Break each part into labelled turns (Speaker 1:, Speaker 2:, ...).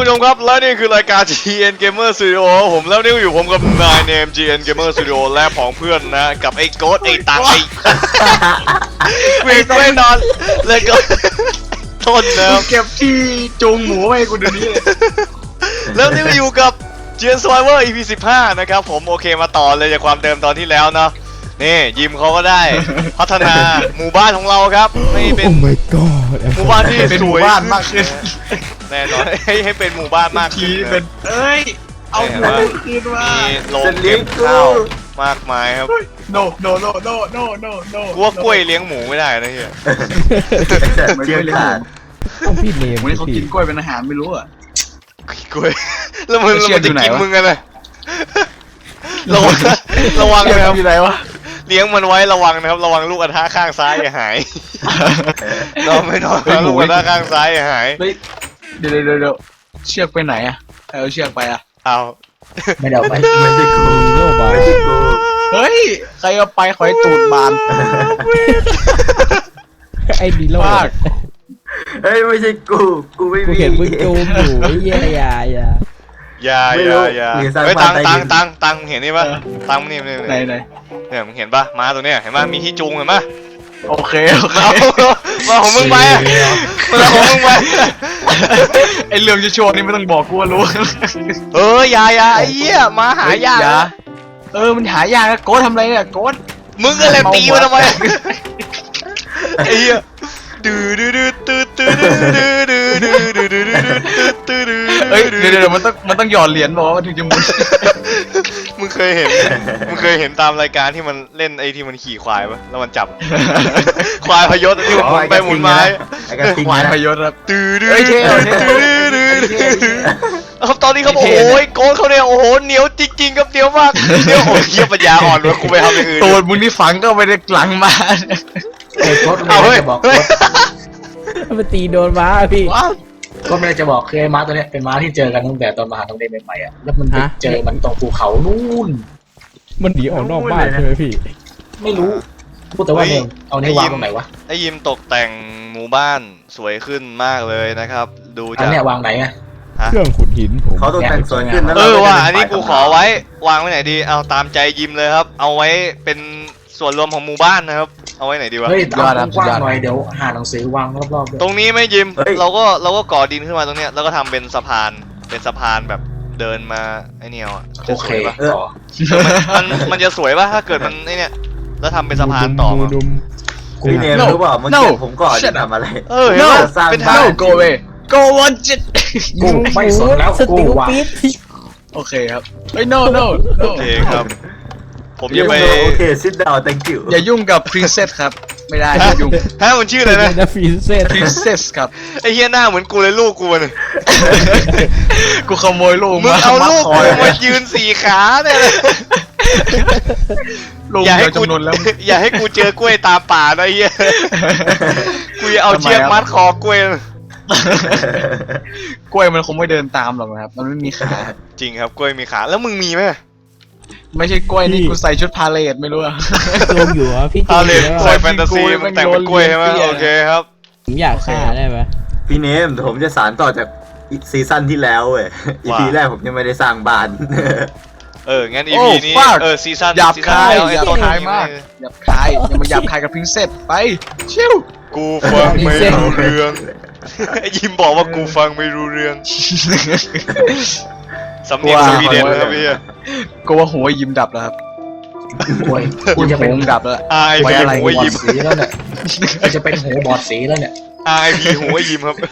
Speaker 1: ผู้ชมครับและนี่คือรายการ GN Gamer Studio ผมแล้วนี่อยู่ผมกับนายเนม GN Gamer Studio และผองเพื่อนนะกับไอ้โกดไอ้ตังไอ้ไม่นอนเลยก็ต้นนะ
Speaker 2: เก็บที่จูงหมูให้กูเดี๋ยวนี้เลย
Speaker 1: แล้วนี่ก็อยู่กับ GN Survivor EP 15นะครับผมโอเคมาต่อเลยจากความเดิมตอนที่แล้วเนาะนี่ยิมเขาก็ได้พัฒนาหมู่บ้านของเราครับให้เป็น
Speaker 3: Oh my god
Speaker 1: หมู่บ้านที่
Speaker 2: เป็น
Speaker 1: ส
Speaker 2: หมู่
Speaker 1: วย
Speaker 2: บ้านมากขึ้น
Speaker 1: แน่นอนให้เป็นหมู่บ้านมาก
Speaker 2: ที
Speaker 1: ขึ้น
Speaker 2: เป็นเอ้ยเอาหมูคืนมา
Speaker 1: มีโรงเก็บข้าวมากมายครับ
Speaker 2: โนโนโนโนโนโนโน
Speaker 1: กูว่ากล้วยเลี้ยงหมูไม่ได้นะเฮีย
Speaker 2: ไม่ได้เลย
Speaker 3: ต้องพี่เนม
Speaker 2: วันนี้เขากินกล้วยเป็นอาหารไม่รู้อ่ะ
Speaker 1: กล้วยแล้วมัน
Speaker 2: เชือกอยู่
Speaker 1: จะ
Speaker 2: ไหน
Speaker 1: กิน
Speaker 2: วะ
Speaker 1: มึงกันเลยระวังนะครับ
Speaker 2: อยู่ไหนวะ
Speaker 1: เลี้ยงมันไว้ระวังนะครับระวังลูกกระทะข้างซ้ายอย่าหายนอนไม่นอนลูกกระทะข้างซ้ายอย่าหาย
Speaker 2: เฮ้ยเดี๋ยวเชือกไปไหนอ่ะเอาเชือกไปอ่ะ
Speaker 1: เอา
Speaker 4: ไม่ได้เอาไป
Speaker 3: ไม่ใช่กูโลบา
Speaker 4: ไม่ใช่กู
Speaker 2: เฮ้ยใครเอาไปขอให้ตูดบาน
Speaker 3: ไอ้ดีโล
Speaker 2: มาก
Speaker 4: เฮ้ยไม่ใช่กูไม่
Speaker 3: กู
Speaker 4: มี
Speaker 3: เห็นมึงจูมอยู่ไอ้เหี้ยอย่า
Speaker 1: อย่า
Speaker 4: ไม่รู้
Speaker 1: อย่า
Speaker 4: หรือสร้าง
Speaker 1: เฮ้ย
Speaker 4: บ้า
Speaker 1: ตั
Speaker 4: น
Speaker 1: ง
Speaker 4: ใต้
Speaker 1: ตัง
Speaker 4: ดิน
Speaker 1: ตังตังเห็นนี่ปะตังนี่
Speaker 2: ไหน
Speaker 1: เนี่ยมึงเห็นปะม้าตัวเนี้ยเห็นปะมีที่จูงเห็นปะ
Speaker 2: โอเค
Speaker 1: เอามาของมึงไปอะมาของมึงไป
Speaker 2: ไอเรื่องจะโชว์นี่ไม่ต้องบอกกูว่ารู้
Speaker 1: อย่าไอ้เหี้ยม้าหายากนะ
Speaker 2: มันหายากนะโก้ทำไรเนี่ยโก้
Speaker 1: มึงก็เลยตีมันทำไมไอ้เหี้ยดื้อดื้อดื้อดื้อดื้อดื้อดื้อดื้อดื้อดื้อดื้อดื้อดื้อ
Speaker 2: เฮ้ยเดี๋ยวมันต้องหยอดเหรียญบอกว่ามันถึงจะหมุน
Speaker 1: มึงเคยเห็นตามรายการที่มันเล่นไอ้ที่มันขี่ควายปะแล้วมันจับควายพยศที่มันหมุนไปหมุนมา
Speaker 4: ไอ้กระทิง
Speaker 2: หวาน
Speaker 4: นะ
Speaker 2: พยศครับ
Speaker 1: ดื้อดื้อ
Speaker 2: เฮ้ยเท่
Speaker 1: ดื้อครับตอนนี้เขาบอกโอ้ยโกนเขาเนี่ยโอ้โหเหนียวจริงๆครับเหนียวมากเหนียวโอ้ยเหี้ยปัญญาอ่อนเลยกูไปทำอย่างอื่น
Speaker 2: ตูดมึงนี่ฝังก็ไปในหลังมา
Speaker 4: ไอ้โค้ด
Speaker 1: เอา
Speaker 4: ไม่
Speaker 1: เฮ้ย
Speaker 4: ได้จะบอก
Speaker 1: เฮ้ย
Speaker 3: มันตีโดนม้าพี่
Speaker 2: ว้าว
Speaker 4: ก็ไม่ได้จะบอกคือไอ้ม้าตัวเนี้ยเป็นม้าที่เจอกันตั้งแต่ตอนมหาลัยใหม่ๆอ่ะแล้วมันไปเจอมันตรงภูเขานู่น
Speaker 3: มันหนีออกนอกบ้านใช่ไหมพี่
Speaker 4: ไม่รู้พูดแต่ว่าเนี่ยเอานี่วางตรงไหนวะ
Speaker 1: ไอ้ยิมตกแต่งหมู่บ้านสวยขึ้นมากเลยนะครับ ดู
Speaker 4: อั
Speaker 1: จาน ก
Speaker 4: เนี้ยวางไหนอ่ะ
Speaker 3: เครื่องขุดหินผม
Speaker 4: เขาตกแต่งสวยขึ้นนะ
Speaker 1: ว่าอันนี้กูขอไว้วางไว้ไหนดีเอาตามใจยิมเลยครับ เอาไว้เป็นส่วนรวมของหมู่บ้านนะครับ เอาไว้ไหนดีวะ
Speaker 4: เฮ้ยเอากว้างๆหน่อยเดี๋ยวหาหนังสือวางรอบๆด้วย
Speaker 1: ตรงนี้ไม่ยิมเราก็ก่อดินขึ้นมาตรงเนี้ยแล้วก็ทำเป็นสะพานแบบเดินมาไอ้เนี่ยอ่ะ
Speaker 4: โอ
Speaker 1: จะ
Speaker 4: เค
Speaker 1: สวยปะ
Speaker 4: ต่อ
Speaker 1: มันจะสวยปะถ้าเกิดมันไอ้เนี่ยแล้วทำเป็นสะพานต่อมา
Speaker 3: ดุม
Speaker 4: พี่เนมรู้เปล่าเมื่อกี้ผมก่อนจะทำอะไร
Speaker 1: เห็นปะ
Speaker 4: สร้าง
Speaker 1: เป็น
Speaker 4: บ้า
Speaker 1: ทาง
Speaker 4: น
Speaker 2: โกเวโกวันจิต
Speaker 4: กูไม่สนแล้ว
Speaker 3: ส
Speaker 4: กู
Speaker 3: ติล
Speaker 4: วาง
Speaker 3: ปี๊ด
Speaker 2: โอเคครับเฮ้ย no
Speaker 1: โอเคครับ ผมจะไป
Speaker 4: โอเค sit down thank you
Speaker 2: อย่ายุ่งกับ princess ครับไม่ได้อย่ายุ่ง
Speaker 1: ฮะมันชื่ออะไรนะ
Speaker 3: นะฟีเซต
Speaker 2: princess ครับ
Speaker 1: ไอ้เฮียหน้าเหมือนกูเลยลูกกูเนี่ย
Speaker 2: กูขโมยลูก
Speaker 1: มึง
Speaker 2: มา
Speaker 1: เอาลูก
Speaker 2: คอ
Speaker 1: กู
Speaker 2: ย
Speaker 1: มายืนสี่ขาเนี่ยเลย
Speaker 2: ลูก
Speaker 1: อย่าให้
Speaker 2: เดียว
Speaker 1: กู
Speaker 2: จำนวนแล้ว
Speaker 1: อย่าให้กูเจอกล้วยตามป่านะไอ้เฮียกูจะเอาเชือกมัดคอกล้วย
Speaker 2: กล้วยมันคงไม่เดินตามหรอกนะครับมันไม่มีขา
Speaker 1: จริงครับกล้วยมีขาแล้วมึงมีไหม
Speaker 2: ไม่ใช่กล้วยนี่กูใส่ชุดพาเลทไม่รู้อะ
Speaker 3: โจมอยู่อ่ะพี่โจ
Speaker 1: พาม เล
Speaker 3: อยู่
Speaker 1: น
Speaker 3: แล้ว
Speaker 1: ใส่
Speaker 3: อะ
Speaker 1: แฟนตาซีมันแต่งเป็นกล้วยใช่ไหมโอเคครับ
Speaker 3: ผมอยากฆ่าได้ไหม
Speaker 4: พี่เนมผมจะสานต่อจากซีซั่นที่แล้วเว้ย EP แรกผมยังไม่ได้สร้างบ้าน
Speaker 1: งั้น EP นี้ซีซั่น
Speaker 2: หยาบคาย
Speaker 1: แล้ว
Speaker 2: ห
Speaker 1: ไอ้
Speaker 2: ยาบ
Speaker 1: ต้น
Speaker 2: คายมากหยาบคายอย่ามาหยาบคายกับ princess ไปชิว
Speaker 1: กูฟังไม่รู้เรื่องไอ้ยิมบอกว่ากูฟังไม่รู้เรื่องสำเนียงสวีเดนนะครับพี่
Speaker 2: กูว่าหัวยิ้มดับแล้วครับ
Speaker 4: โอ้ยกู
Speaker 2: ยิ้ม
Speaker 4: จะเป็น
Speaker 2: โป่งดับแล้ว
Speaker 1: RIP
Speaker 2: ไว้อะไร
Speaker 1: หัว
Speaker 4: บอ
Speaker 1: ยิ
Speaker 4: ด
Speaker 1: ม
Speaker 4: สีแล้วเนี่ยกูจะเป็นหูบอดสีแล้วเนี่ย
Speaker 1: RIP หัวยิมครับ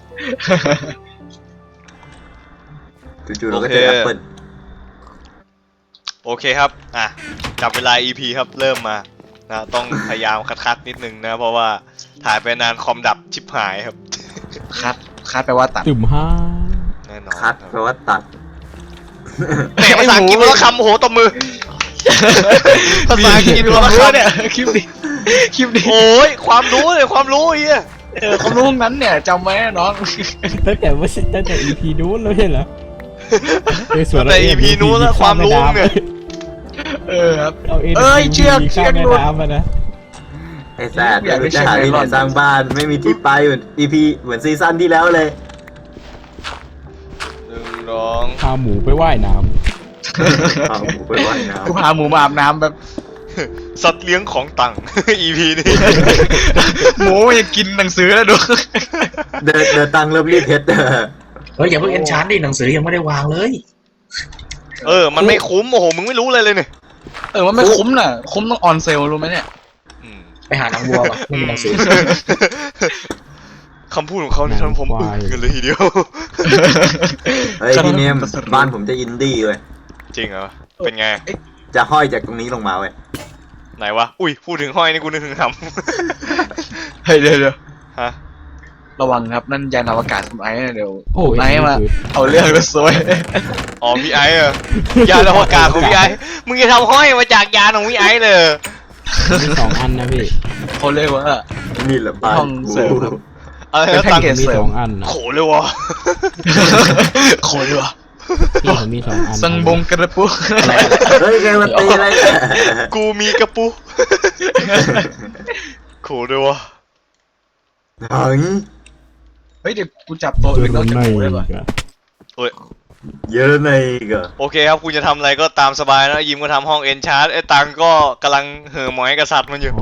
Speaker 4: จู่ๆเราก็เจอแอปเปิล
Speaker 1: โอเคครับจับเวลา EP ครับเริ่มมานะต้องพยายามคัดนิดนึงนะเพราะว่าถ่ายไปนานคอมดับชิบหายครับ
Speaker 2: คัดแปลว่าตัด
Speaker 3: จุ่มห้า
Speaker 1: แน่นอน
Speaker 4: คัดแปลว่าตัด
Speaker 1: แต่ภาษาอังกฤษแล้วคำโอ้โหตบมือ ภาษาอังกฤษ
Speaker 2: มี
Speaker 1: แล้ว
Speaker 2: ความ
Speaker 1: ค
Speaker 2: รู้เนี่ยคลิปนี้คลิปนี้
Speaker 1: ำโอ้ยความรู้เลยความรู้ไอ้เหี้ย
Speaker 2: ความรู้นั้นเนี่ยจำไว้นะน้อง
Speaker 3: ตั้งแต่ EP นู้นแล้วใช่เหรอในส่วน
Speaker 1: แต่ EP นู้นแล้วความรู้เนี่ย
Speaker 2: ครับ
Speaker 3: เอา
Speaker 2: เอ้ยเชือก
Speaker 3: ข้ามแม่
Speaker 2: หลุด
Speaker 3: น้ำมานะ
Speaker 4: ไอ้แซ่เดี๋ยวจะหาที่ไหนสร้างบ้านไม่มีที่ไปเหมือน EP เหมือนซีซั่นที่แล้วเลย
Speaker 1: ร้อง
Speaker 3: พาหมูไปว่ายน้
Speaker 5: พาหมูไปว่ายน้
Speaker 2: กูพาหมูมาอาบน้ำแบบ
Speaker 1: สัตว์เลี้ยงของตัง EP นี้
Speaker 2: หมูมันจะกินหนังสือแล้วดู
Speaker 5: ำเดินตังเริ่มรีดเพชร
Speaker 4: เฮ้ยอย่าเพิ่งเอนชานดิหนังสือยังไม่ได้วางเลย
Speaker 1: มันไม่คุ้มโอ้โหมึงไม่รู้เลยเลยเนี่ย
Speaker 2: มันไม่คุ้มน่ะคุ้มต้องออนเซลรู้ไหมเนี่ย
Speaker 1: อืม
Speaker 4: ไปหาหนังวัวป่ะไม่มีหนังสือ
Speaker 1: คำพูดของเขานี่ทำผมอึ้งกันเลยทีเดียว
Speaker 5: เฮ้ยพี่เนมบ้านผมจะอินดี้เว้ย
Speaker 1: จริงเหรอ เป็นไง
Speaker 5: จะห้อยจากตรงนี้ลงมาเว้ย
Speaker 1: ไหนวะ อุ้ย พูดถึงห้อยนี่กูนึกถึงห
Speaker 2: เฮ้ยเดี๋ยว
Speaker 1: ำ ฮะ
Speaker 2: ระวังครับนั่นยานอวกาศคุณไอ้นะเดี๋ยว
Speaker 3: ำโอ้ย
Speaker 2: ไอ้มาเอาเรื่องมาซวย
Speaker 1: อ๋อพี่ไอ้เหรอยานอวกาศของพี่ไอ้มึงจะทำห้อยมาจากยานของพี่ไอ้เลย
Speaker 3: มีสองอันนะพี่
Speaker 2: เขาเรียกว่า
Speaker 5: นี่แหละบ้าน
Speaker 2: ห้องเสริมครับ
Speaker 1: อะไร
Speaker 2: เป็น
Speaker 1: นะ
Speaker 2: แพ็ก
Speaker 1: ตัง
Speaker 2: เกจ
Speaker 3: มีสองอันนะ
Speaker 1: โขเลยวะ
Speaker 2: โคตรว่ะ
Speaker 3: พี่ผมมีสองอัน
Speaker 2: สังบงกระปุก
Speaker 4: อะไร
Speaker 5: เฮ้ยแกมาตีอะไรเนี่ย
Speaker 1: กูมีกระปุกโขเลยวะ
Speaker 5: หัง
Speaker 2: เฮ้ยเดี๋ยวกูจับตัวอื่นนอกจากหมูได้ป่ะ
Speaker 5: เยอะในอีกเหรอ
Speaker 1: โอเคครับคุณจะทำอะไรก็ตามสบายนะยิมก็ทำห้องเอนชาร์ดไอ้ตังก็กำลังเห่อหมอยกษัตริย์มันอยู่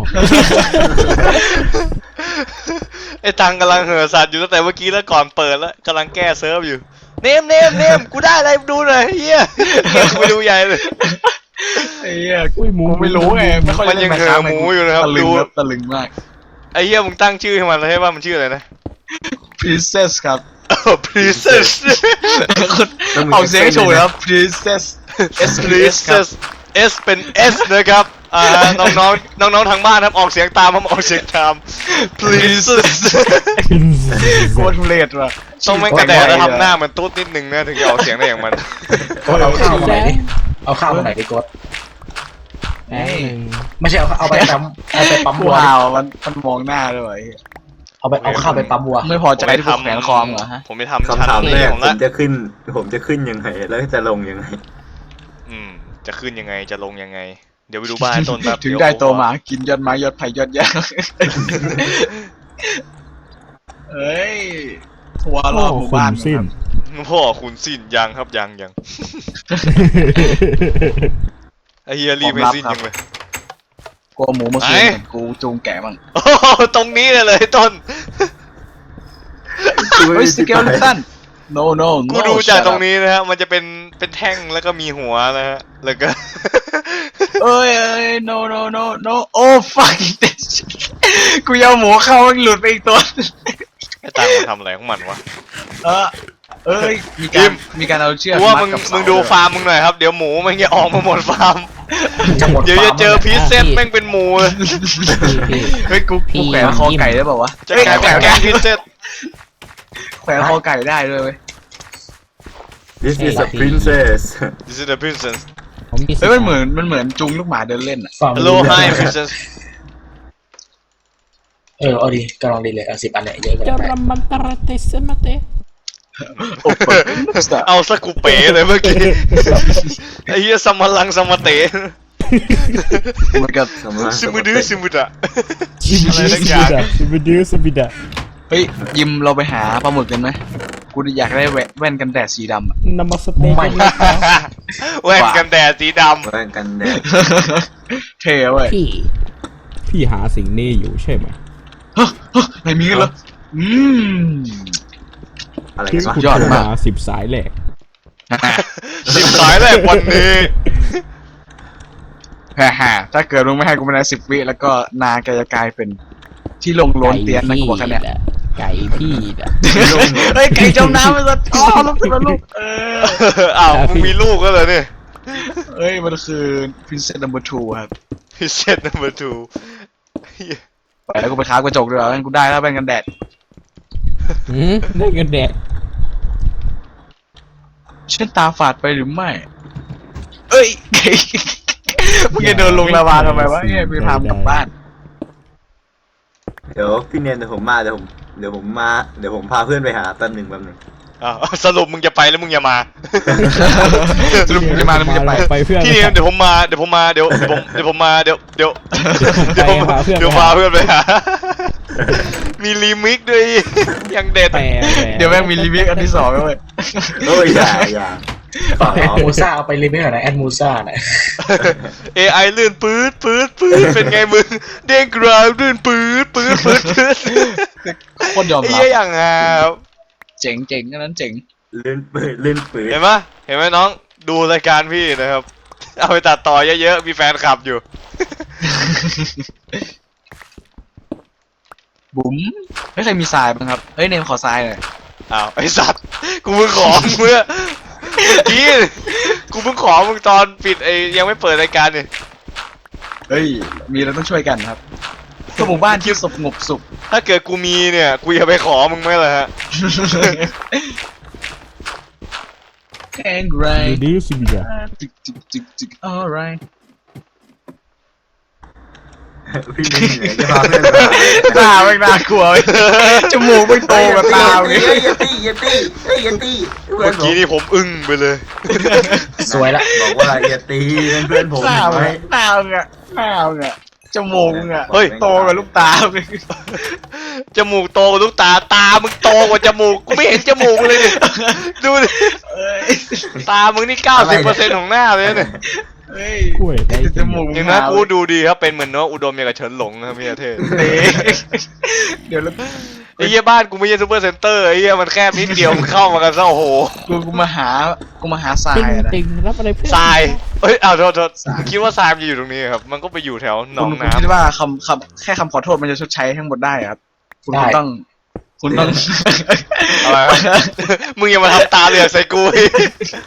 Speaker 1: ไอ้ตังกำลังเห่อสัตว์อยู่ตั้งแต่เมื่อกี้แล้วก่อนเปิดแล้วกำลังแก้เซิร์ฟอยู่เนมกูได้อะไรดูหน่อยเฮียกูดูใหญ่เลย
Speaker 2: ไอ้เหี้ย
Speaker 3: อุ้ยหมู
Speaker 2: กูไม่รู้ไงไม่ค่อย
Speaker 1: มันยังเห่อหมูอยู่นะครับ
Speaker 2: ตะลึ
Speaker 1: ดู
Speaker 2: งครับตะลึงมาก
Speaker 1: ไอ้เฮียมึงตั้งชื่อให้มันเลยให้ว่ามันชื่ออะไรนะ
Speaker 2: princess ครับ
Speaker 1: Princess
Speaker 2: ออกเสียงให้ถูกนะครับ princess S
Speaker 1: Princess S เป็น S นะครับน้องทางบ้านครับออกเสียงตามผมออกเสียงตาม Princess
Speaker 2: โคตรทุเรศว่ะ
Speaker 1: ต้องแม่งกระแดดแล้วทำหน้าเหมือนตุ๊ดนิดนึงนะถึงจะออกเสียงได้อย่างมัน
Speaker 4: โกดเอาข้าวมาไหนดิเอาข้าวมาไหนดิโกด
Speaker 3: แป๊บนึง
Speaker 4: ไม่ใช่เอาไปปั๊มวัว
Speaker 2: ว้าวมันมองหน้าด้วย
Speaker 4: เอาข้าวไปปั๊มวัว
Speaker 2: ไม่พอใจที่ผมแขวนคอมเหรอฮะ
Speaker 1: ผมไปทำชั้น
Speaker 5: คำถามแร
Speaker 1: นี้
Speaker 5: ก
Speaker 1: ผม
Speaker 5: ผ
Speaker 1: ละ
Speaker 5: มจะขึ้นยังไงแล้วจะลงยังไง
Speaker 1: จะขึ้นยังไงจะลงยังไง เดี๋ยวไปดูบ้านต้นแบบ
Speaker 2: ถึงได้โตมากินยอดไม้ยอดไผ่ยอดยางเฮ้ยทัวร์รอบหมู่บ้าน
Speaker 3: สิ้น
Speaker 1: พ่อคุณสิ้นยังครับยังไอเฮียรีบไม่สิ้นยังเลย
Speaker 2: กลัวหมูเมื่อคืนกูจูงแกะมั่ง
Speaker 1: โอ้โหตรงนี้เลยต้น
Speaker 2: เฮ้ยสเกลตัน no
Speaker 1: กูดูจากตรงนี้นะฮะมันจะเป็นแท่งแล้วก็มีหัวนะฮะแล้วก็
Speaker 2: เอ้ย no oh fuck กูยาวหมูเข้ามันหลุดไปอีกตัว
Speaker 1: ไอ้ตังมันทำอะไรของมันวะ
Speaker 2: เอ้ยมีการเอาเชือก
Speaker 1: กูว่า
Speaker 2: มั
Speaker 1: มึ
Speaker 2: ด
Speaker 1: ง
Speaker 2: กับ
Speaker 1: มึงดูฟาร์มมึงหน่อยครับเดี๋ยวหมูมันจะออกมาหมดฟาร์ม
Speaker 4: จะหมด
Speaker 1: เดี๋ยวจะ
Speaker 4: ฟาร์ม
Speaker 1: เจอพีซเซตแม่งเป็นหมูเลย
Speaker 3: พี่
Speaker 2: เฮ้ยกูแขวนคอไก่ได้เปล่าวะ
Speaker 1: จะกลายเป็นแกงพีซเซต
Speaker 2: แขวนคอไก่ได้ด้วยเว้ย
Speaker 5: This is a princess
Speaker 1: This is the princess
Speaker 3: ผมมี
Speaker 2: เฮ้ยมันเหมือนจูงลูกหมาเดินเล่นอ่ะ
Speaker 4: ฟัง
Speaker 1: Hello hi princess
Speaker 4: เอาดีกำลังดีเลย10 อันเนี่ยเยอะเกิน
Speaker 3: จะ
Speaker 4: ไป
Speaker 3: รำมันตระเตสมาเต
Speaker 1: เอาสกูเป๋เลยเมื่อกี้ไอ้เหี้ยสมลังสมเตะ
Speaker 2: มันก็
Speaker 1: ซิมุดื้อซิมุดะ
Speaker 3: อะไรสักอย่างสบิดาสบิดา
Speaker 2: เฮ้ยยิมเราไปหาปลาหมึกกันไหมกูอยากได้แว่นกันแดดสีดำอ่ะ
Speaker 3: นามาสเตย์กันเลย
Speaker 1: แว่นกันแดดสีด
Speaker 5: แว่นกันแดด
Speaker 2: เท่เว้ย
Speaker 3: พี่หาสิ่งนี้อยู่ใช่ไหม
Speaker 2: ไหนมีกันเหรอ
Speaker 5: อะไร
Speaker 3: พี่
Speaker 5: กันวะ
Speaker 3: คุณ
Speaker 2: ยอดมาก
Speaker 3: หา10 สายแหลก
Speaker 1: ำสิบสายแรกวันนี้
Speaker 2: ฮ่าถ้าเกิดมึงไม่ให้กูภายใน10 วิแล้วก็นาแกจะกลายเป็นที่ลงโลนเตียนนะกูบอกแค่เนี้ย
Speaker 3: ไก่พี่น่ะ
Speaker 2: เฮ้ยไก่จมน้ำไปซะอ๋อลูกขึ้นมาลูก
Speaker 1: อ้าวมึงมีลูกก็เลยเนี่ย
Speaker 2: เอ้ยมันคือ Princess Number 2 ครับ
Speaker 1: พิเศษ number 2
Speaker 2: ไปแล้วกูไปค้ากระจกด้วยงั้นกูได้แล้วแว่นกันแดด
Speaker 3: ได้กันแดด
Speaker 2: ฉันตาฝาดไปหรือไม่ เอ้ย มึงจะเดินลงลาวาทำไมวะเนี่ยไปพามึงกลับบ้าน
Speaker 5: เดี๋ยวพี่เนมเดี๋ยวผมมาเดี๋ยวผมพาเพื่อนไปหาแป๊บหนึ่ง
Speaker 1: อ้าวสรุปมึงจะไปแล้วมึงอย่ามา
Speaker 2: สรุปมึงจะมาหรือมึงจะไป
Speaker 3: ไปเพื่อน
Speaker 1: พี่เนี่ยเดี๋ยวผมมาเดี๋ยวผมมาเดี๋ยวพาเพื่อนไปหามีรีมิกซ์ด้วย ยังเด็ด
Speaker 3: แปล
Speaker 2: เดี๋ยวแม่งมีรีวิวอันที่สองด้วย
Speaker 5: โอ้ยอย่าฝาก
Speaker 4: แอด
Speaker 5: น้อง
Speaker 4: มูซ่าเอาไปรีเมคหน่อยนะแอดมูซ่าน่ะ
Speaker 1: AI ลื่นปื๊ดเป็นไงมึงเด้งกราวลื่นปื๊ด
Speaker 2: โคตรยอม
Speaker 1: ไอ้
Speaker 2: รับ
Speaker 1: เหี้ยอย่างฮาครับ
Speaker 2: เจ๋งอันนั้นเจ๋ง
Speaker 5: เล่นปืน
Speaker 1: เห็นไหมน้องดูรายการพี่นะครับ เอาไปตัดต่อเยอะๆมีแฟนคลับอยู่
Speaker 2: บุ๋มไม่เคยมีทรายบ้างครับเฮ้ยเนมขอทรายหน่อย
Speaker 1: อ้าวไอสัตว์กูเพิ่งขอมึงเมื่อกี้กูเพิ่งขอมึงตอนปิดไอ้ยังไม่เปิดรายการเนี่ย
Speaker 2: เฮ้ยมีเราต้องช่วยกันครับก็หมู่บ้านที่สงบสุข
Speaker 1: ถ้าเกิดกูมีเนี่ยกูจะไปขอมึงไหมล่ะฮะ
Speaker 2: แข็งแรง
Speaker 3: ดูดิสิบิดา
Speaker 2: จิก alright
Speaker 5: พี่นี่เหนื่อยจะพาเพื่อนมา
Speaker 2: ตาไม่น่ากลัวเว้ยจมูกไม่โตกับตาเลย
Speaker 5: อย่าตีเพื่
Speaker 1: เมื่
Speaker 5: อ
Speaker 1: อน
Speaker 5: ผม
Speaker 1: กี้นี่ผมอึ้งไปเลย
Speaker 4: สวยละ
Speaker 5: บอกว่าอย่าตีเพื่อนผม
Speaker 2: หน้า
Speaker 5: ไหม
Speaker 2: หน้ามึงอะจมูกมึงอะ
Speaker 1: เฮ้ย
Speaker 2: โตกับลูกตาเลย
Speaker 1: จมูกโตกว่าลูกตาตามึงโตกว่าจมูกกูไม่เห็นจมูกเลยดิดูดิ
Speaker 2: เอ้ย
Speaker 1: ตามึงนี่ 90%ของหน้าเลยเนี่ย
Speaker 2: เฮ้ย
Speaker 3: กล้วยได้
Speaker 2: จมูกมึ
Speaker 1: เห็น
Speaker 2: ง
Speaker 1: ไหม
Speaker 2: หา
Speaker 1: กูดูดีครับเป็นเหมือนเนื้ออุดมอย่างกับเฉินหลงนะครับพี่อาเทศ
Speaker 2: เฮ้ยเดี๋ยวแล้ว
Speaker 1: ไอ้เหี้ยบ้านกูไม่ใช่ซูเปอร์เซ็นเตอร์ไอ้เหี้ยมันแคบนิดเดียวมึงเข้ามากันซะโอ้โห
Speaker 2: กูมาหาทราย
Speaker 3: ติง
Speaker 2: อะนะ
Speaker 3: ติงรับอะไรเพื่อน
Speaker 1: ทรายเอ้ยอ้าวโทษมึงคิดว่าทรายมันจะอยู่ตรงนี้ครับมันก็ไปอยู่แถวหนอง
Speaker 2: คุณ
Speaker 1: น้ำ
Speaker 2: คิดว่าคำแค่คำขอโทษมันจะชดใช้ทั้งหมดได้เหรอครับคุณต้อง
Speaker 1: อะไรวะ มึงอย่ามาทำตาเหลือกใส่กูอีก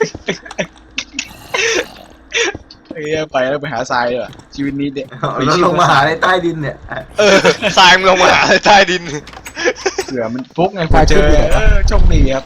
Speaker 2: เอ้ยไปแล้วไปหาทรายเลยว่ะชีวิตนี้เด็ก
Speaker 5: แล้วลงมาหาในใต้ดินเนี่ย
Speaker 1: ทรายมึงลงมาหาใต้ดิน
Speaker 2: เสือมันฟุกไงพอเจอโชคดีครับ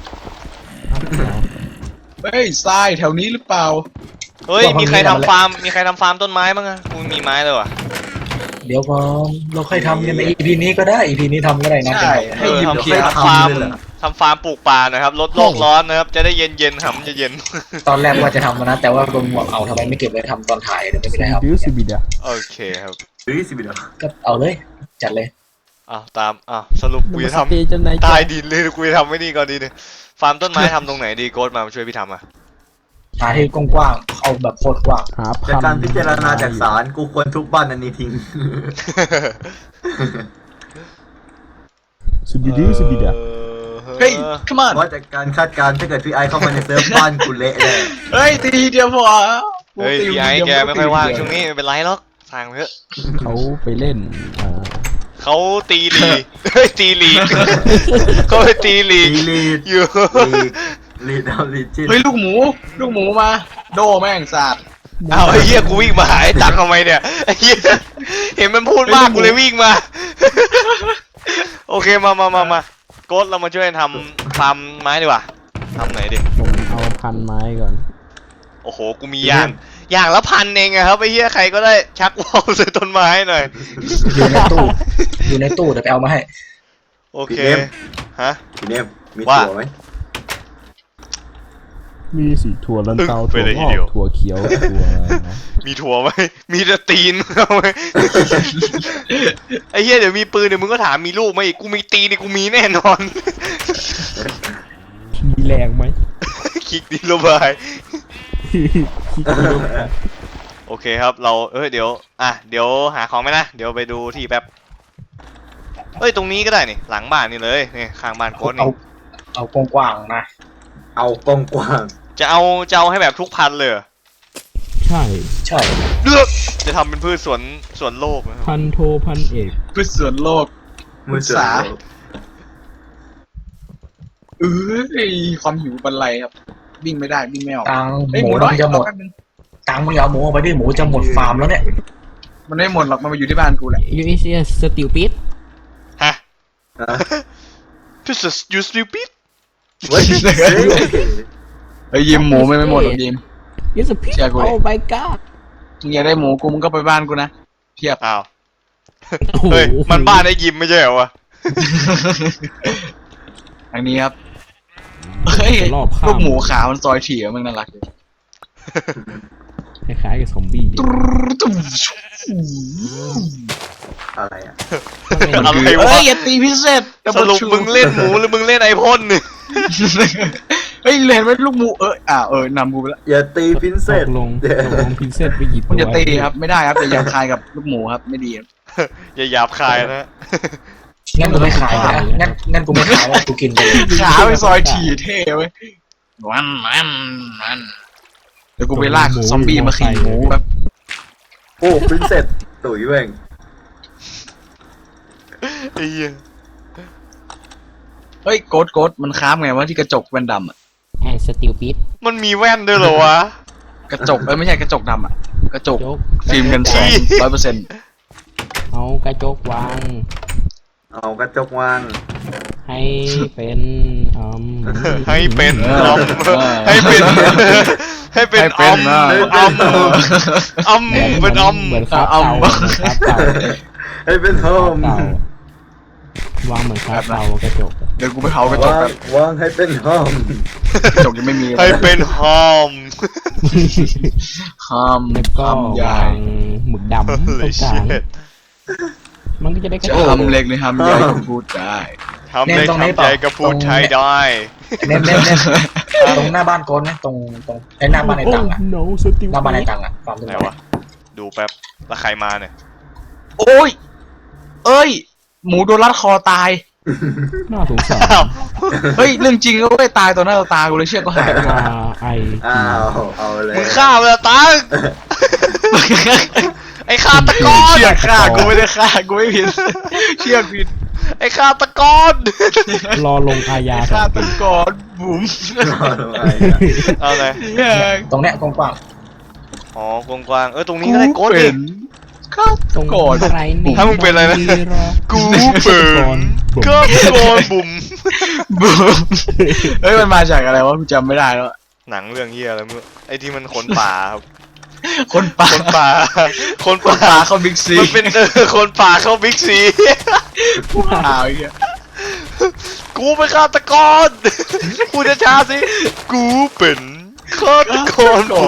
Speaker 2: เฮ้ยทรายแถวนี้หรือเปล่า
Speaker 1: เฮ้ยมีใครทำฟาร์มต้นไม้บ้างอะกูมีไม้เลยว่ะ
Speaker 4: เดี๋ยวพอเราค่อยทำกันใน EP นี้ก็ได้ EP นี้ทำก็ได้นะ
Speaker 2: ใช่ให้หยิบ
Speaker 1: ทำ
Speaker 2: เคียร์
Speaker 1: ฟาร์มปลูกป่านะครับลดโลกร้อนนะครับจะได้เย็นหำจะเย็น
Speaker 4: ตอนแรกว่าจะทำนะแต่ว่าลงหัวเอาทำไมไม่เก็บไว้ทำตอนถ่ายเดี๋ยวไม่ได้ครับ
Speaker 3: ดูสิบิดา
Speaker 1: โอเคครับ
Speaker 5: หรือสิบเดียว
Speaker 4: ก็เอาเลย จัดเลย
Speaker 1: สรุปกูจะท
Speaker 3: ตีจนไหน
Speaker 1: ำใต้ดินเลยกูจะทำไม่นี่ก่อนดีเนี่ยฟาร์มต้นไม้ทำตรงไหนดีโกดมาช่วยพี่ทำอ่ะ
Speaker 4: หาที่กว้างๆเอาแบบโคตรกว้าง
Speaker 3: หาพั
Speaker 5: จาก
Speaker 3: น
Speaker 5: การพิจารณาจากศาลกูควรทุบบ้านอันนี้ทิ้ง
Speaker 3: สิบิดูสิบิดา
Speaker 2: เฮ้ย come on
Speaker 5: เพราะจากการคาดการณ์ถ้าเกิดพี่ไอเข้ามาในเซิร์ฟบ้านกูเละเลย
Speaker 2: เฮ้ยตีเดียวพอ
Speaker 1: เฮ้ยพี่ไอ้แกไม่ค่อยว่างช่วงนี้ไม่เป็นไรหรอกสั่งเถอะ
Speaker 3: เขาไปเล่น
Speaker 1: เขาตีลีกเฮ้ยตีลีกเขาไปตีลีก
Speaker 5: ลีด
Speaker 1: อยู่
Speaker 5: ลีดเอาลีดจิ้น
Speaker 2: เฮ้ยลูกหมูมาโดแม่งสาด
Speaker 1: เอาไอ้เหี้ยกูวิ่งมาหาไอ้ตังทำไมเนี่ยไอ้เหี้ยเห็นมันพูดมากกูเลยวิ่งมา โอเคมาโกดเรามาช่วยทำฟาร์มไม้ดีกว่าทำไหนดิ
Speaker 3: ผมเอาพันไม้ก่อน
Speaker 1: โอ้โหกูมีอย่างละพันเองอะครับไอ้เหี้ยใครก็ได้ชักว่าวใส่ต้นไม้หน่อย
Speaker 4: อยู่ในตู้อยู่ในตู้เดี๋ยวไปเอามาให้
Speaker 1: โอเคฮะ
Speaker 5: ทีนี้มี
Speaker 1: ว่า
Speaker 5: ถั่วไหม
Speaker 3: มีสีถั่วลันเตา
Speaker 1: ไป
Speaker 3: ถั่ว
Speaker 1: เลย
Speaker 3: ง
Speaker 1: ที
Speaker 3: อ
Speaker 1: เดียว
Speaker 3: กถั่วเขียวถั่ว
Speaker 1: มีถั่วไหมมีแต่ตีนเอาไหมไอ้เหี้ยเดี๋ยวมีปืนเดี๋ยวมึงก็ถามมีลูกไหมอีกกูมีตีนนี่กูมีแน่นอน
Speaker 3: มีแรงไหม
Speaker 1: คิกดีโลบาย
Speaker 3: คิดดู
Speaker 1: โอเคครับเราเดี๋ยวหาของไหมนะเดี๋ยวไปดูที่แป๊บตรงนี้ก็ได้นี่หลังบ้านนี่เลยนี่ข้างบ้านโค้ดนี่
Speaker 4: เอากว้างๆนะ
Speaker 5: เอากว้าง
Speaker 1: จะเอาให้แบบทุกพันเลยเหรอ
Speaker 3: ใช่
Speaker 4: ใช่
Speaker 1: เลือกจะทำเป็นพืชสวนโลกนะครับ
Speaker 3: พันโทพันเอก
Speaker 2: พืชสวนโลก
Speaker 5: ๆมือเสือ
Speaker 2: เอ้ยความหิวบรรลัยครับวิ่งไม่ได้วิ่งไม่ออก
Speaker 4: ตัง
Speaker 2: เฮ้ย
Speaker 4: ห
Speaker 2: ห
Speaker 4: มู
Speaker 2: มู
Speaker 4: ต้
Speaker 2: น้
Speaker 4: อ
Speaker 2: อย
Speaker 4: งจะหมด
Speaker 2: เอาแป๊บนึง
Speaker 4: ตังมึงอย่าเอาหมูเอาไปดิหมูจะหมดฟาร์มแล้วเนี่ย
Speaker 2: มันไม่หมดหรอกมันมาอยู่ที่บ้านกูแหละ
Speaker 3: ยูเอสสติลปิด
Speaker 1: ฮะ
Speaker 5: ฮะ
Speaker 1: This is you stupid
Speaker 5: เว้ย
Speaker 2: เฮ้ยยิมหมูไม่หมดหรอกยิม
Speaker 3: ยูสพิด
Speaker 2: เชื่อกูดิ
Speaker 3: โอ้ my god
Speaker 2: มึงอยากได้หมูกูมึงก็ไปบ้านกูนะเพียบ
Speaker 1: อ้าวเฮ้ยมันบ้านไอ้ยิมไม่ใช่เหรอวะ
Speaker 2: ทางนี้ครับเฮ้ย
Speaker 3: รอบข้าม
Speaker 2: ลูกหมูขาวมันซอยถี่อะมึงน่ารักเลย
Speaker 3: คล้ายๆกับซอมบี้
Speaker 5: อะไรอ่ะ
Speaker 1: อะไร
Speaker 2: เฮ้
Speaker 1: วะ
Speaker 2: ยอย่าตีพิเศษ
Speaker 1: สรุปมึงเล่นหมูหรือมึงเล่นไอพ่นเนี่ย
Speaker 2: เฮ้ยเห็นไหมลูกหมูนำกูไปแล้ว
Speaker 5: อย่าตีพินเซ
Speaker 3: ต
Speaker 5: ต
Speaker 3: กลงพินเซตไปกี่ตัว
Speaker 2: มันจะตีครับไม่ได้ครับอย่าหยาบคายกับลูกหมูครับไม่ดีครับ
Speaker 1: อย่าหยาบคายนะ
Speaker 4: งั้นกูไม่ขายนะงั้นกูไม่ขายแล้วกูกินไปเลย
Speaker 2: ขาไปซอยถี่เท่เว้ยมันเดี๋ยวกูไปลากซอมบี้มาขี่หมูแบบ
Speaker 5: โอ้พินเซตตุ๋ยเว้ง
Speaker 1: ไอ้เหี้ย
Speaker 2: เฮ้ยโกดมันค้ามไงวะที่กระจกแว่นดำอะ
Speaker 3: แอนสติลปิด
Speaker 1: มันมีแว่นด้วยเหรอวะ
Speaker 2: กระจกไม่ใช่กระจกดำอะกระจก
Speaker 3: โจ๊ก
Speaker 2: ฟิล์มกันแสง 100%
Speaker 3: เอากระจกวาง
Speaker 5: เอากระจกวาง
Speaker 3: ให้เป็น
Speaker 1: ให้เป็น
Speaker 2: เอ
Speaker 1: อ
Speaker 2: อ
Speaker 1: มให้เป็นให้เป็นอมอมอมเป็นอม
Speaker 3: เหมือนคาบเต่าเหมือนคาบเต่า
Speaker 5: ให้เป็นโฮม
Speaker 3: เต่าวางเหมือนคาบเต่ากระจก
Speaker 2: เดี๋ยวกูไปเผากระจก
Speaker 5: วาง
Speaker 2: แบบ
Speaker 5: วางให้เป็นโฮม
Speaker 2: กระจกยังไม่มีเลย
Speaker 1: ให้เป็นหอม
Speaker 2: ห้าม
Speaker 3: แล้วก็
Speaker 2: ห้ามใหญ่
Speaker 3: วางหมึกดำตรงกลางมันก็จะได้กระ
Speaker 2: จะ
Speaker 3: จก
Speaker 2: ทำเล็กเลยทำใหญ่ก็พูดได้
Speaker 1: ทำเล็กทำใหญ่ก็พูดไทยได้
Speaker 4: เน้นตรงหน้าบ้านโกนนะตรงไอ้หน้าบ้านไอ้ตังอะ
Speaker 3: โน้สติล
Speaker 4: หน้าบ้านไอ้ตังอะความตรง
Speaker 1: ไหน
Speaker 4: ไหน
Speaker 1: วะดูแป๊บแล้วใครมาเนี่ย
Speaker 2: โอ้ยเอ้ยหมูโดนรัดคอตาย
Speaker 3: น่าสงสาร
Speaker 1: อ้าว
Speaker 2: เฮ้ยเรื่องจริงก็ไม่ตายต่อหน้าต่อตากูเลยเชือกก็หายไป
Speaker 3: ไอ
Speaker 5: อ้าวเอาเลย
Speaker 1: มึงฆ่ามันละตังไอ้ฆาตกร
Speaker 2: เชือกฆ่ากูไม่ได้ฆ่ากูไม่ผิดเชือกผิด
Speaker 1: ไอ้ฆาตกร
Speaker 3: รอลงอาญา
Speaker 2: ฆ่า
Speaker 3: 2
Speaker 2: ตะ
Speaker 3: ปี
Speaker 2: กอนบุ๋ม
Speaker 1: เอาเลย
Speaker 2: เนี่ย
Speaker 4: ตรงเนี้ยกว้าง
Speaker 1: อ๋อกว้างๆตรงนี้ก็ได้โกดดิ
Speaker 2: ฆ่า
Speaker 3: ตร
Speaker 2: ตะ
Speaker 3: ง
Speaker 2: กอน
Speaker 3: อะไรนี่
Speaker 1: ถ้ามึงเป็นอะไรนะ กูเปิดก็โกนบุ๋ม
Speaker 2: บุ๋มเฮ้ยมันมาจากอะไรวะกูจำไม่ได้แล้ว
Speaker 1: หนังเรื่องเฮียอะไรมึงไอ้ที่มันคนป่าครับ
Speaker 2: คนป่า
Speaker 1: คนป่า คน
Speaker 2: คน
Speaker 1: ป่า
Speaker 2: ป่าเข้าบิ๊กซี
Speaker 1: มันเป็นคนป่าเข้าบิ๊กซี
Speaker 2: ป่าไอ้เงี้ย
Speaker 1: กูเป็นฆาตกรพูดช้าๆสิ กูเป็นฆาตกรผม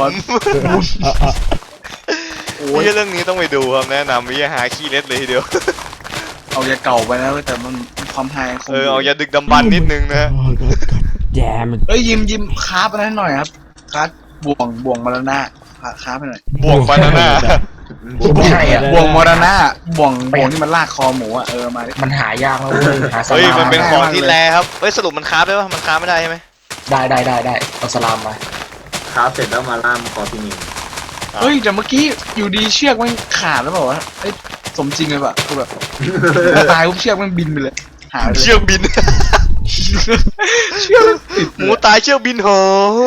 Speaker 2: โอ้ย
Speaker 1: เรื่องนี้ต้องไปดูครับแนะนำวิทยาหาขี้เล็ดเลยทีเดียว
Speaker 2: เอายาเก่าไปนะแต่มันความไฮคง
Speaker 1: เอาอย่าดึกดำบรรพ์นิดนึงนะ
Speaker 3: แย่มัน
Speaker 2: เอ้ยยิ้มคราฟอะไรหน่อยครับคราฟบ่วงมาแล้วหน้าคราฟไปหน่อย
Speaker 1: บ่วงบานาน่า
Speaker 4: ๆไม่ใช่อ่ะ
Speaker 2: บ่วงมรณะบ่วงที่มันลากคอหมูอ่ะมาดิ
Speaker 4: มันหายากแล้วเว้ยหาส
Speaker 1: เฮ้ย
Speaker 4: ลาม
Speaker 1: มันเป็น
Speaker 2: ได้
Speaker 1: ของ
Speaker 2: มาก
Speaker 1: ที่
Speaker 2: เลย
Speaker 1: แรครับเฮ้ยสรุปมันค้าฟได้ปะมันค้าฟไม่ได้ใช่ไหม
Speaker 4: ได้เอาสลามมา
Speaker 5: ครับเสร็จแล้วมาล่ามคอที่นี่
Speaker 2: เฮ้ยแต่เมื่อกี้อยู่ดีเชือกมันขาดแล้วเปล่าวะเอ้ยสมจริงเลยป่ะคือแบบตายปุ๊บเชือกมันบินไปเลยหายไปเลย
Speaker 1: เชือกบิน
Speaker 2: เชือกมันติด
Speaker 1: หมูตายเชือกบินโห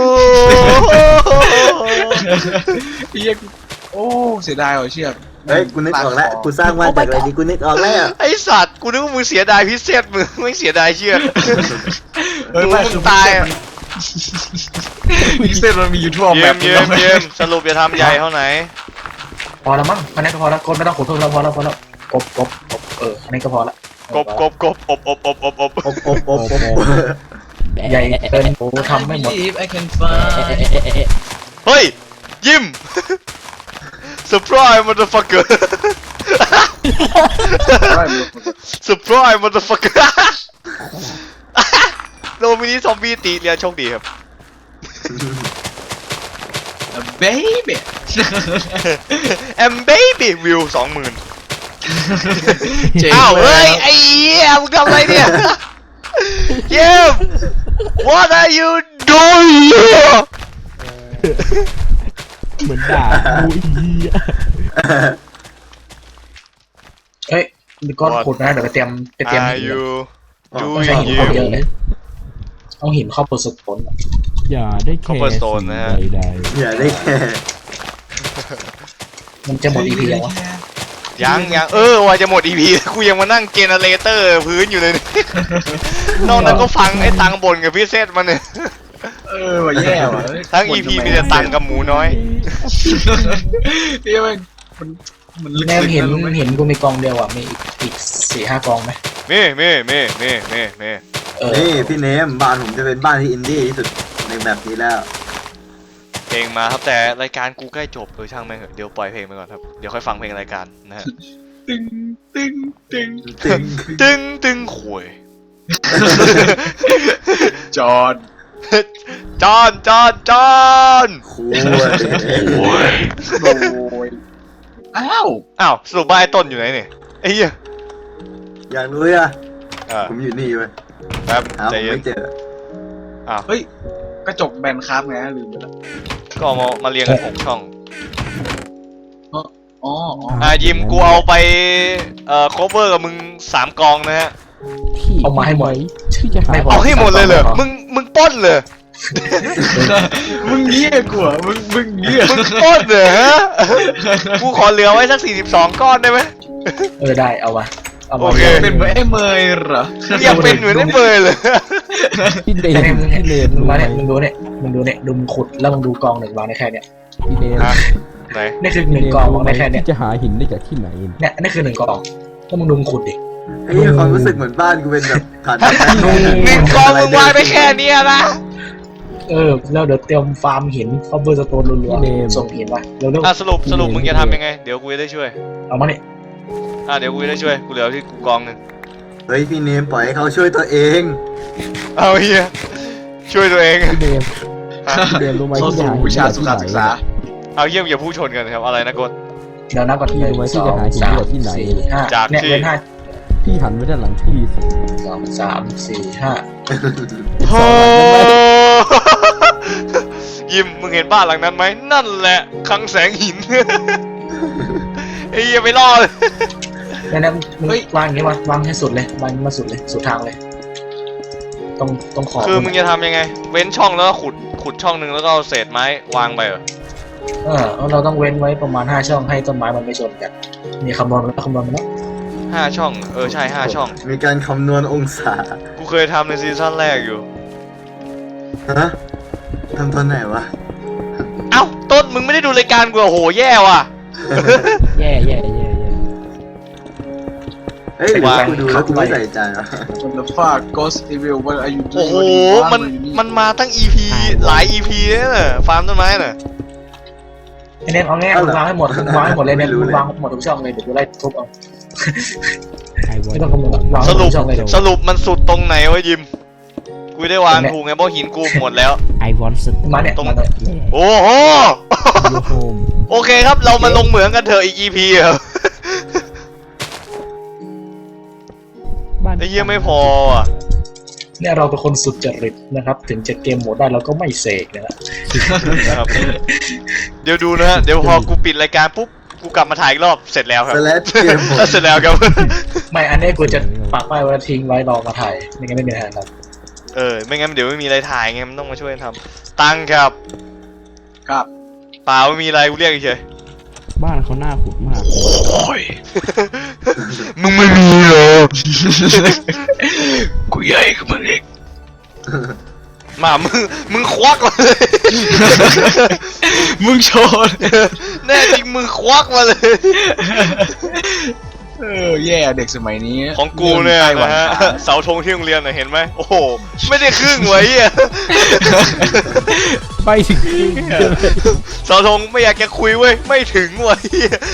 Speaker 2: เหี้ยโอ้เสียดายว่ะเชือก
Speaker 5: เฮ้ยกูนึกออกแล้วกูสร้างบ้านจากอะไรดีกูนึกออกแล้ว
Speaker 1: ไอสัตว์กูนึกว่ามึงเสียดายพิเศษมึงไม่เสียดายเชือก
Speaker 2: เฮ้ย
Speaker 1: หมู
Speaker 2: ไม่
Speaker 1: มึ
Speaker 2: คื
Speaker 1: ง
Speaker 2: อ
Speaker 1: ตายอะ
Speaker 2: พิเศษมันมีอยู่ทั่วแบ
Speaker 1: เยี่ย
Speaker 2: บ
Speaker 1: มเยี่ยมเยี่ยมสรุปจะทำใหญ่เท่าไหน
Speaker 4: พอแล้วมั้งอันนี้ก็พอแล้วโกนไม่ต้องขุดเพิ่มแล้วพอแล้วกบอันนี้ก็พอละ
Speaker 1: กบอบ
Speaker 4: ใหญ่เกินโอ้ทำไม่หมด
Speaker 2: I can fly
Speaker 1: เฮ้ยยิ้ม surprise motherfucker surprise motherfucker โดมินิซอมบี้ตีเรียนโชคดีครับ
Speaker 2: baby
Speaker 1: and baby view 20,000
Speaker 2: เจ๋ง
Speaker 1: อ้าว
Speaker 2: เล
Speaker 1: เฮ้
Speaker 2: ย
Speaker 1: ยไอ้เหี้ยมึงทำอะไรเนี่ยเยี่ยม what are you doing here
Speaker 3: เหมือนด่าบูอีอะ
Speaker 4: เฮ้ยมีก้อนขุดนะเดี๋ยวไปเตรียม
Speaker 1: are
Speaker 4: หิน
Speaker 1: you
Speaker 4: ต้อง
Speaker 1: doing
Speaker 4: ใช้หิน
Speaker 1: here
Speaker 4: เยอะเลยเอาหินเข้าผสม
Speaker 3: อย่าได้แคร์
Speaker 1: Cobblestone นะฮะ
Speaker 3: สิ่งใด
Speaker 5: อย่าได้แค่
Speaker 4: มันจะหมด EP ยังวะ
Speaker 1: ยังว่าจะหมด EP กูยังมานั่งเจเนเรเตอร์พื้นอยู่เลย นอกนั้นก็ฟังไอ้ตังบ่นกับพี่เซตมันเนี่ย
Speaker 2: ว่ะแย่ว่ะ
Speaker 1: ทั้ง EP มีแต่ตังกับหมูน้อย
Speaker 2: เฮ้ยมันลึก
Speaker 4: แนว
Speaker 2: ๆ
Speaker 4: เห็น
Speaker 2: นะรู้ไหม
Speaker 4: เห็นกูมีกองเดียวอ่ะมีอีก 4-5 กองไหม
Speaker 1: นี่
Speaker 4: เออ
Speaker 5: นี่พี่เนมบ้านผมจะเป็นบ้านที่อินดี้ที่สุดในแบบนี้แล้ว
Speaker 1: เพลงมาครับแต่รายการกูใกล้จบช่างแม่งเถอะเดี๋ยวปล่อยเพลงไปก่อนครับเดี๋ยวค่อยฟังเพลงรายการนะฮะ
Speaker 2: ตึงตึงตึง
Speaker 5: ตึง
Speaker 1: ตึงขวย
Speaker 2: จอด
Speaker 1: จอน
Speaker 5: คุย
Speaker 2: โอ้ยอ้าว
Speaker 1: อ้าวสรุปว่าไอ้ต้นอยู่ไหนเนี่ยไอ้เหี้ย
Speaker 5: อยากรู้อ่ะ ผมอยู่นี่เว้ย
Speaker 1: แป๊บ
Speaker 5: หาผ
Speaker 1: ใจ
Speaker 5: ม
Speaker 1: เย็น
Speaker 5: ไม่เจอ
Speaker 1: อ้าว
Speaker 2: เฮ้ยกระจกแบนครับไงลืมไปแล้ว
Speaker 1: ก็เอามาเรียงกัน6 ช่อง
Speaker 2: อ๋ออ๋อ
Speaker 1: ยิมกูเอาไปcover กับมึง3 กองนะฮะ
Speaker 3: พี่
Speaker 4: เอามาให้หมด
Speaker 3: พี่จะหา
Speaker 4: ไม่พ
Speaker 1: เอาให้หมดเลยเหรอมึงปล้นเลย
Speaker 2: มึงเงี้ยกูอ่ะมึงเงี้ย
Speaker 1: มึงปล้นเลยฮะกูขอเหลือไว้สัก42 ก้อนได้ไหม
Speaker 4: ได้เอามาเอามา
Speaker 1: โอเค
Speaker 2: เป็นเหมือนไอ้เมยเหรอ
Speaker 1: มึงอยากเป็นเหมือนไอ้เบยเลย
Speaker 3: พี่เด
Speaker 4: เนี่ย
Speaker 3: น
Speaker 4: มึง
Speaker 3: พี่เดน
Speaker 4: มาเนี่ยมึงดูเนี่ยดูมึงขุดแล้วมึงดูกองหนึ่งวางได้แค่เนี่ย
Speaker 3: พี่เดน
Speaker 1: ฮะไหน
Speaker 4: นี่คือหนึ่งกองวางได้แค่เนี่ย
Speaker 3: พี่จะหาหินได้จากที่ไหน
Speaker 4: เนี่ยนี่คือหนึ่งกองแล้วมึงดูมึงขุดดิ
Speaker 5: ไอ้ความรู้สึกเหมือนบ้านกูเป็นแบบฐาน
Speaker 1: 1 กองมึงวางได้แค่เนี้ยนะ
Speaker 4: แล้วเดี๋ยวเตรียมฟาร์มหินคอเบอร์สโตนรัวๆส่งหินมาเร็ว
Speaker 1: สรุปมึงจะทำยังไงเดี๋ยวกูจะได้ช่วย
Speaker 4: ๆเอามาเนี่ย
Speaker 1: เดี๋ยวกูจะได้ช่วยกูเหลือที่กูกองหนึ่ง
Speaker 5: เฮ้ยพี่เนมปล่อยให้เขาช่วยตัวเอง
Speaker 1: เอาเฮียช่วยตัวเอง
Speaker 3: พี่เดนพี่เดนรู้ไหม
Speaker 2: เข้า
Speaker 3: พี่จะ
Speaker 2: สู่
Speaker 3: หาหิน
Speaker 2: วิชา
Speaker 3: ได้
Speaker 2: สุ
Speaker 3: จาก
Speaker 2: ขา
Speaker 3: ที่
Speaker 2: ศึก
Speaker 3: ไหน
Speaker 2: ษา
Speaker 1: เอาเยี่ยมอย่าพูดชนกันครับอะไรนะกด
Speaker 4: เดี๋ยวนับก่อน
Speaker 3: พี่
Speaker 4: 1
Speaker 3: รู้ไหมพี่
Speaker 4: 2
Speaker 3: จะหาหิน
Speaker 4: 3
Speaker 3: ได้ที่ไหน
Speaker 4: 4 5
Speaker 1: จาก
Speaker 4: เนี่ย
Speaker 1: ที่
Speaker 4: เว้น5
Speaker 3: พี่หันไปด้านหลังพี่สิ
Speaker 4: 2 3 4 5
Speaker 1: โอ้ ยิมมึงเห็นบ้านหลังนั้นไหมนั่นแหละคลังแสงหิน ไอ้เหี้ยไปรอดเลย
Speaker 4: เนี่ยมึงวางอย่างนี้วางให้สุดเลยวางมาสุดเลยสุดทางเลยต้องขอบ
Speaker 1: คือมึงจะทำยังไง เว้นช่องแล้วก็ขุดช่องหนึ่งแล้วก็เอาเศษไม้วางไปเหรอ
Speaker 4: เราต้องเว้นไว้ประมาณ5 ช่องให้ต้นไม้มันไม่ชนกันมีคำนวณมาแล้ว
Speaker 1: 5 ช่องใช่5 ช่อง
Speaker 5: มีการคำนวณองศา
Speaker 1: กูเคยทำในซีซั่นแรกอยู่
Speaker 5: ฮะทำตอนไหนวะ
Speaker 1: เอ้าต้นมึงไม่ได้ดูรายการกูเหรอโหแย่ว่ะ
Speaker 3: แย่
Speaker 5: เฮ้ยหรือว่ากูดูแล้วกูไม่ใส่ใจวะ
Speaker 2: คนละฟาก Ghost Evil What are you
Speaker 1: โอ้
Speaker 2: doing
Speaker 1: โหมันมาตั้ง EP หลาย EP เลยน่ะฟาร์มต้นไม้น่ะ
Speaker 4: ไอ้เน้นเอาง่ายๆวางให้หมดเลยเนี่ยวางหมดทุกช่องเลยเดี๋ยวกูไล่ทุบเอา ไม่ต้องคำนวณวาง
Speaker 1: สรุป
Speaker 4: ช่องเลยเดี๋ยว
Speaker 1: สรุปมันสุดตรงไหนวะยิม กูได้วางถูกไงเพราะหินกูหมดแล้ว
Speaker 3: ไอวอนส
Speaker 4: มาเนี่ย
Speaker 1: ตรง
Speaker 4: มาเนี่ย
Speaker 1: โอ้โห
Speaker 3: ยูโฮม
Speaker 1: โอเคครับเรามาลงเหมืองกันเถอะอีก EP เหรอ ไอ้เหี้ยไม่พออ่ะ
Speaker 4: เนี่ยเราเป็นคนสุดจริตนะครับ ถึงจะเกมโหมดได้เราก็ไม่เสกนะฮะ
Speaker 1: นะครับ เดี๋ยวดูนะฮะ เดี๋ยวพอกูปิดรายการปุ๊บ กูกลับมาถ่ายอีกรอบ เสร็จแล้วครับ
Speaker 5: สแลชเกมหมด
Speaker 1: เสร็จแล้วครับ
Speaker 4: ไม่อันนี้กูจะปักป้ายไว้ทิ้งไว้รอมาถ่ายไม่งั้นไม่มีทางครับ
Speaker 1: ไม่งั้นเดี๋ยวไม่มีอะไรถ่ายไง มันต้องมาช่วยกันทำตังค์ครับ
Speaker 2: ครับ
Speaker 1: เปล่าไม่มีอะไรกูเรียกเฉย
Speaker 3: บ้านเขาหน้าขุดมาก
Speaker 2: โอ้ย
Speaker 1: มึงไม่มีเหรอ
Speaker 2: กูใหญ่กับมึงเอง
Speaker 1: มามึงควักมาเลย
Speaker 2: มึงโชว์
Speaker 1: แน่จริงมึงควักมาเลย
Speaker 2: แย่เด็กสมัยนี้
Speaker 1: ของกูเนี่ย
Speaker 2: ไต้หวั
Speaker 1: นะฮะ
Speaker 2: ขา
Speaker 1: เสาธงที่โรงเรียนน่ะเห็นไหมโอ้โห ไม่ได้ครึ่งไว้อ่ะ
Speaker 3: ไปถึง
Speaker 1: เสาธงไม่อยากจะคุยเว้ย ไม่ถึงไว้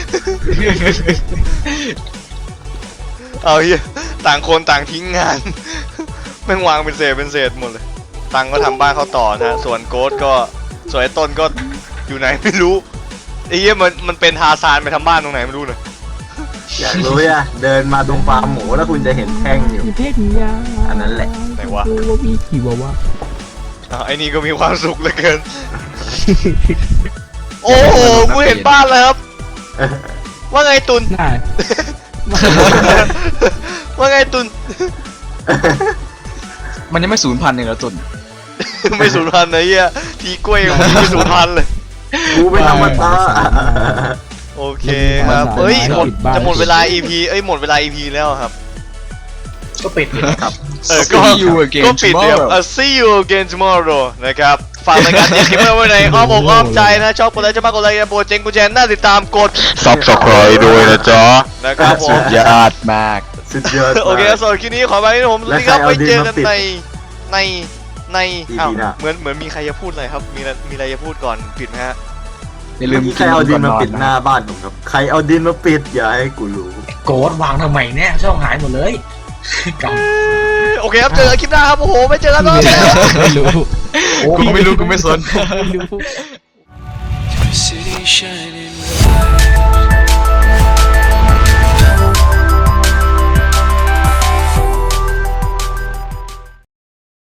Speaker 1: เอาเฮียต่างคนต่างทิ้งงาน แม่งวางเป็นเศษหมดเลย ตังก็ทำบ้านเขาต่อนะฮะส่วนโกดก็ส่วนไอ้ต้นก็อยู่ไหนไม่รู้ไอ้เหี้ยมันเป็นทาซานไปทำบ้านตรงไหนไม่รู้เนอะ
Speaker 5: อยากรู้อ่ะเดินมาตรงฟาร์มหมูแล้วคุณจะเห็นแท่งอยู่
Speaker 3: เพชรยา
Speaker 5: อันนั้นแหละ
Speaker 1: ไหนวะ
Speaker 3: ว่ามีกี่วะ
Speaker 1: ไอ้นี่ก็มีความสุขเหลือเกิน โอ้โหกูเห็นบ้านแล้วครับ ว่าไงตุน
Speaker 3: น่า
Speaker 1: ว่าไงตุน
Speaker 2: มันยังไม่สูญพันธุ์เลยเหรอตุน
Speaker 1: ไม่สูญพันธุ์นะเฮียทีกล้วยยังไม่สูญพันธุ์เลย
Speaker 5: กูเป็นอมตะ
Speaker 1: โอเคครับเอ้ยจะหมดเวลา EP หมดเวลา EP แล้วครับ
Speaker 4: ก็ปิดดิ
Speaker 5: ครับ
Speaker 1: ก็
Speaker 2: See you again
Speaker 1: ก็ปิดเดี๋ยว
Speaker 2: tomorrow
Speaker 1: See you again tomorrow นะครับ ฝากรายการเจ๊คิมเมอร์ไว้ในอ้อมอกอ้อมใจนะ ชอบกดไลค์จะมากกดไลค์โปรเจงกูแจนน่าติดตามกด
Speaker 6: Subscribe ด้วยนะจ๊ะ
Speaker 1: นะครับผม
Speaker 2: ยอดมาก
Speaker 5: สุดยอดมาก
Speaker 1: โอเคสำหรับคลิปนี้ขอไปที่ผมสวัสดีครับ
Speaker 5: และใครเอา
Speaker 1: ไว้เจอกัน
Speaker 5: ดินมาปิด
Speaker 1: ในใน
Speaker 5: EP
Speaker 1: อ้าว
Speaker 5: หน้า
Speaker 1: เหมือนมีใครจะพูดอะไรครับ มีอะไรจะพูดก่อนปิดไหมฮะ
Speaker 2: อย่าลืม
Speaker 5: ใครเอาดินมาปิดหน้าบ้านผมครับ ใครเอาดินมาปิดอย่าให้กูรู้
Speaker 4: โกดวางทำไมเนี่ยช่องหายหมดเลยก
Speaker 1: โอเคครับเจอกันคลิปหน้าครับโอ้โหไม่เจอกันแล้ว
Speaker 3: ไม่รู้
Speaker 2: กูไม่รู้กูไม่สน
Speaker 3: ไม่รู้
Speaker 7: City shining bright.